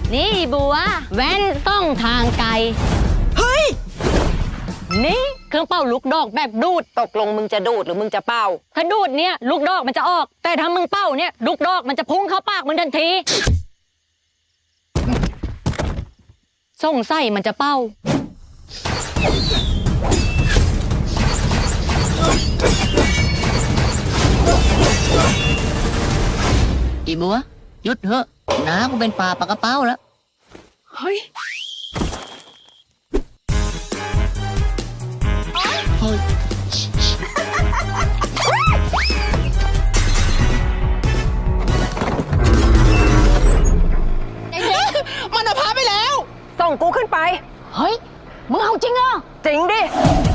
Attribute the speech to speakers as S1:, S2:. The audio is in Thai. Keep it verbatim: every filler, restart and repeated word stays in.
S1: นี่บัวแว่นต้องทางไกล
S2: เฮ้ย
S1: นี่เครื่องเป่าลูกดอกแบบดูด
S2: ตกลงมึงจะดูดหรือมึงจะเป่า
S1: ถ้าดูดเนี่ยลูกดอกมันจะออก แต่ถ้ามึงเป่าเนี่ยลูกดอกมันจะพุ่งเข้าปากมึงทันทีสงสัยมันจะเป่าอีบัวหยุดเถอะน้ากูเป็นปลาปากกระเป้าแล้ว
S2: เฮ้ย
S1: เฮ้ย
S2: มันเอาพาไปแล้ว ส่งกูขึ้นไป
S1: เฮ้ยมึงเอาจริงเหรอ
S2: จริงดิ